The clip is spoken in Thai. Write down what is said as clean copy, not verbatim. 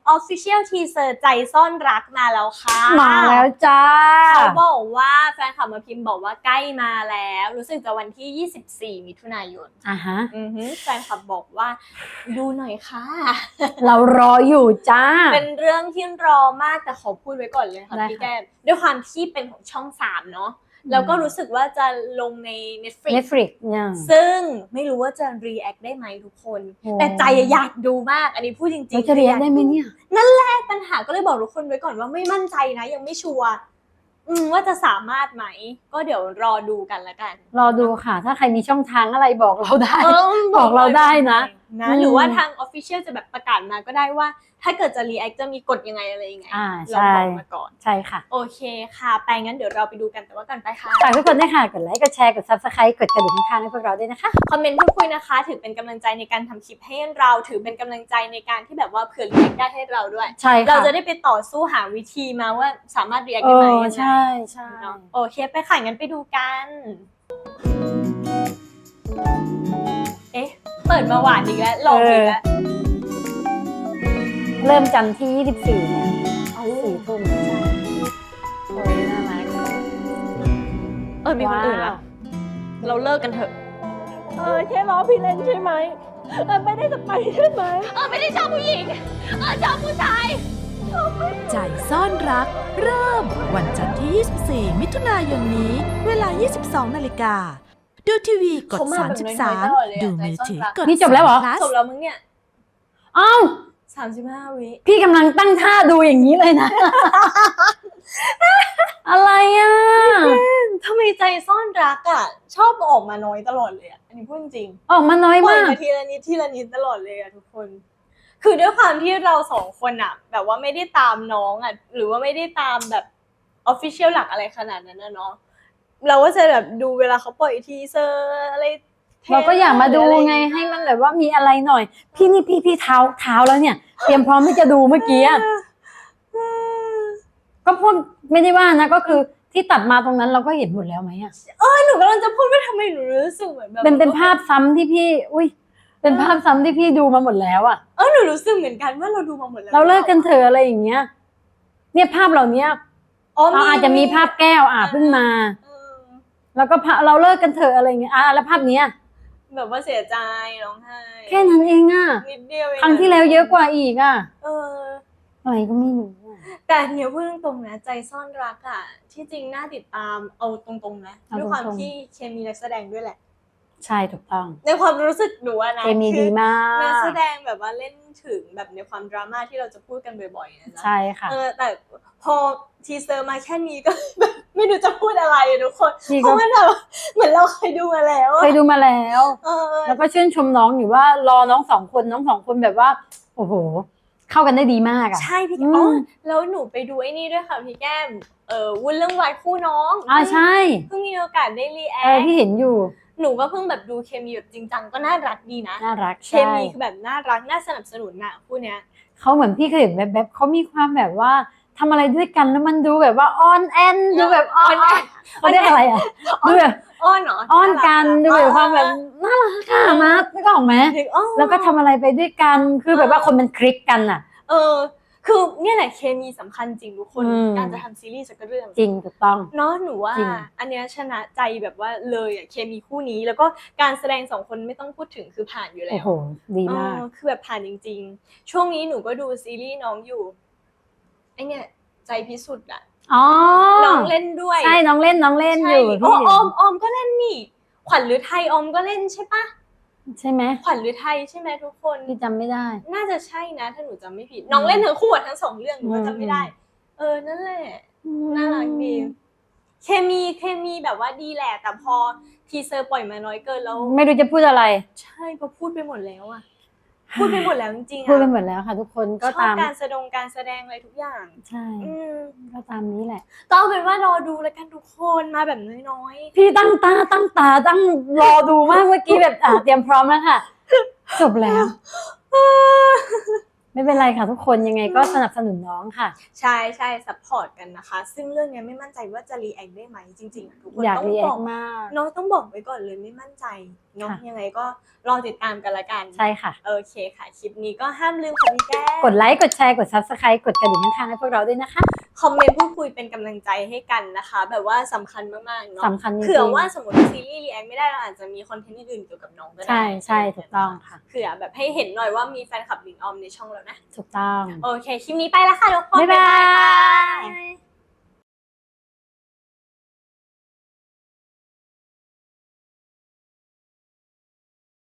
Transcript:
Official Teaser ใจซ่อนรักมาแล้วค่ะมาแล้วจ้าเขาบอกว่าแฟนคลับมาพิมพ์บอกว่าใกล้มาแล้วรู้สึกจะวันที่24มิถุนายนแฟนคลับบอกว่าดูหน่อยค่ะเรารออยู่จ้าเป็นเรื่องที่รอมากแต่ขอพูดไว้ก่อนเลยค่ะพี่แก้มด้วยความที่เป็นของช่อง3เนาะแล้วก็รู้สึกว่าจะลงใน Netflix ซึ่งไม่รู้ว่าจะ react ได้ไหมทุกคนแต่ใจอยากดูมากอันนี้พูดจริงๆจะ react ได้ไหมเนี่ยนั่นแหละปัญหาก็เลยบอกทุกคนไว้ก่อนว่าไม่มั่นใจนะยังไม่ชัวร์ว่าจะสามารถไหมก็เดี๋ยวรอดูกันละกันรอดูค่ะถ้าใครมีช่องทางอะไรบอกเราได้บอกเราได้นะหรือว่าทาง Official จะแบบประกาศมาก็ได้ว่าถ้าเกิดจะ react จะมีกฎยังไงอะไรยังไงเราบอกมาก่อนใช่ค่ะโอเคค่ะไปงั้นเดี๋ยวเราไปดูกันแต่ว่าก่อนไปค่ะฝากทุกคนด้วยค่ะกดไลค์กดแชร์กด Subscribe กดกระดิ่งข้างๆให้พวกเราด้วยนะคะคอมเมนต์พูดคุยนะคะถือเป็นกำลังใจในการทำคลิปให้เราถือเป็นกำลังใจในการที่แบบว่าเผื่อ react ได้ให้เราด้วยใช่ค่ะเราจะได้ไปต่อสู้หาวิธีมาว่าสามารถ react ได้ไหมใช่ใช่โอเคไปค่ะงั้นไปดูกันเอ๊ะเปิดมาหวานอีกแล้วลงอีกแล้วเริ่มจันทร์ที่24เนี่ย4 ทุ่มใช่โอ้ยน่ารักมีคนอื่นแล้วเราเลิกกันเถอะแค่ล้อพี่เล่นใช่ไหมไม่ได้จะไปใช่ไหมไม่ได้ชอบผู้หญิงชอบผู้ชายใจซ่อนรักเริ่มวันจันทร์ที่24มิถุนายนนี้เวลา 22 นาฬิกาดูทีวีกด33ดูมือถือกดนี่จบแล้วเหรอจบแล้วมึงเนี่ยอ้าว 35 วิพี่กำลังตั้งท่าดูอย่างนี้เลยนะ อะไรอ่ะทำไมใจซ่อนรักอ่ะชอบออกมาน้อยตลอดเลยอ่ะอันนี้พูดจริงออกมาน้อยมากทีละนิดตลอดเลยอ่ะทุกคนคือด้วยความที่เรา2 คนอ่ะแบบว่าไม่ได้ตามน้องอ่ะหรือว่าไม่ได้ตามแบบ official หลักอะไรขนาดนั้นนะเนาะเราก็จะแบบดูเวลาเขาปล่อยทีเซอร์อะไรเราก็อยากมาดูไงให้มันแบบว่ามีอะไรหน่อยพี่เท้าแล้วเนี่ยเตรียมพร้อมที่จะดูเมื่อกี้ก็พูดไม่ได้ว่านะก็คือที่ตัดมาตรงนั้นเราก็เห็นหมดแล้วไหมอ่ะหนูกำลังจะพูดว่าทำไมหนูรู้สึกเหมือนแบบเป็นภาพซ้ำที่พี่เป็นภาพซ้ำที่พี่ดูมาหมดแล้วอ่ะหนูรู้สึกเหมือนกันว่าเราดูมาหมดแล้วเราเลิกกันเถอะอะไรอย่างเงี้ยเนี่ยภาพเหล่านี้เราอาจจะมีภาพแก้วเพิ่งมาแล้วก็เราเลิกกันเถอะอะไรอย่างเงี้ยแล้วภาพเนี้ยแบบว่าเสียใจร้องไห้แค่นั้นเองอ่ะนิดเดียวครั้งที่แล้วเยอะกว่าอีกอ่ะอะไรก็ไม่รู้แต่เนี่ยพูดตรงๆนะใจซ่อนรักอ่ะที่จริงน่าติดตามเอาตรงๆนะด้วยความที่เคมีนักแสดงด้วยแหละใช่ถูกต้องในความรู้สึกหนูนะเคมีดีมากนักแสดงแบบว่าเล่นถึงแบบในความดราม่าที่เราจะพูดกันบ่อยๆนะใช่ค่ะแต่พอทีเซอร์มาแค่นี้ก็แบบไม่รู้จะพูดอะไรทุกคนเพราะมันแบบเหมือนเราเคยดูมาแล้วแล้วก็ชื่นชมน้องอยู่ว่ารอน้อง2 คนแบบว่าโอ้โหเข้ากันได้ดีมากอ่ะใช่พี่แล้วหนูไปดูไอ้นี่ด้วยค่ะพี่แก้มวุ้นเรื่องวายคู่น้องใช่เพิ่งมีโอกาสได้รีแอคพี่เห็นอยู่หนูก็เพิ่งแบบดูเคมีแบบจริงจังก็น่ารักดีนะน่ารักเคมีคือแบบน่ารักน่าสนับสนุนน่ะคู่เนี้ยเขาเหมือนพี่เคยเห็นแบบเขามีความแบบว่าทำอะไรด้วยกันแล้วมันดูแบบว่าอ้อนแอนดูแบบอ้อนเขาเรียกอะไรอ่ะดูแบบอ้อนเหรออ้อนกันดูแบบความแบบน่ารักค่ะนะนึกออกไหมแล้วก็ทำอะไรไปด้วยกันคือแบบว่าคนมันคลิกกันอ่ะคือเนี่ยแหละเคมีสำคัญจริงทุกคนการจะทำซีรีส์สักเรื่องจริงถูกต้องเนาะหนูว่าอันเนี้ยชนะใจแบบว่าเลยอ่ะเคมีคู่นี้แล้วก็การแสดง2 คนไม่ต้องพูดถึงคือผ่านอยู่แล้วโอ้โหดีมากคือแบบผ่านจริงๆช่วงนี้หนูก็ดูซีรีส์น้องอยู่ไอเนี่ยใจพิสุทธิ์อ่ะน้องเล่นด้วยใช่น้องเล่นอยู่ออมก็เล่นนี่ขวัญฤทัยออมก็เล่นใช่ปะใช่ไหมขวัญฤทัยใช่ไหมทุกคนพี่จำไม่ได้น่าจะใช่นะถ้าหนูจำไม่ผิดน้องเล่นทั้งคู่ทั้ง2 เรื่องหนูก็จำไม่ได้นั่นแหละน่ารักดีเคมีแบบว่าดีแหละแต่พอทีเซอร์ปล่อยมาน้อยเกินแล้วไม่รู้จะพูดอะไรใช่ก็พูดไปหมดแล้วอะพูดไปหมดแล้วจริงๆพูดไปหมดแล้วค่ะทุกคนก็ตามการแสดงอะไรทุกอย่างใช่ก็ตามนี้แหละก็เอาเป็นว่ารอดูแล้วกันทุกคนมาแบบน้อยๆพี่ตั้งตาตั้งรอดูมากเมื่อกี้แบบเตรียมพร้อมแล้วค่ะจบแล้วไไม่เป็นไรค่ะทุกคนยังไงก็สนับสนุนน้องค่ะใช่ใช่ซัพพอร์ตกันนะคะ ซึ่งเรื่องนี้ไม่มั่นใจว่าจะรีแอคได้ไหมจริงๆทุกคนอยากต้องรีแอบอคกมากน้องต้องบอกไว้ก่อนเลยไม่มั่นใจเนาะค่ะยังไงก็รอติดตามกันละกันใช่ค่ะโอเคค่ะคลิปนี้ก็ห้ามลืมค่ะพี่แก้มกดไลค์กดแชร์กด Subscribe กดกระดิ่งข้างๆให้พวกเราด้วยนะคะคอมเมนต์พูดคุยเป็นกำลังใจให้กันนะคะ แบบว่าสำคัญมากๆเนาะสำคัญจริงๆเผื่อว่าสมมติซีรีส์รีแอคไม่ได้เราอาจจะมีคอนเทนต์อื่นๆเกี่ยวกับน้องก็ได้ใช่ใช่ถูกต้องค่ะเผื่อแบบให้เห็นหน่อยว่ามีแฟนคลับหลิงออมในช่องแล้วนะถูกต้องโอเคคลิปนี้ไปแล้วค่ะทุกคนบ๊ายบายบ๊ายบาย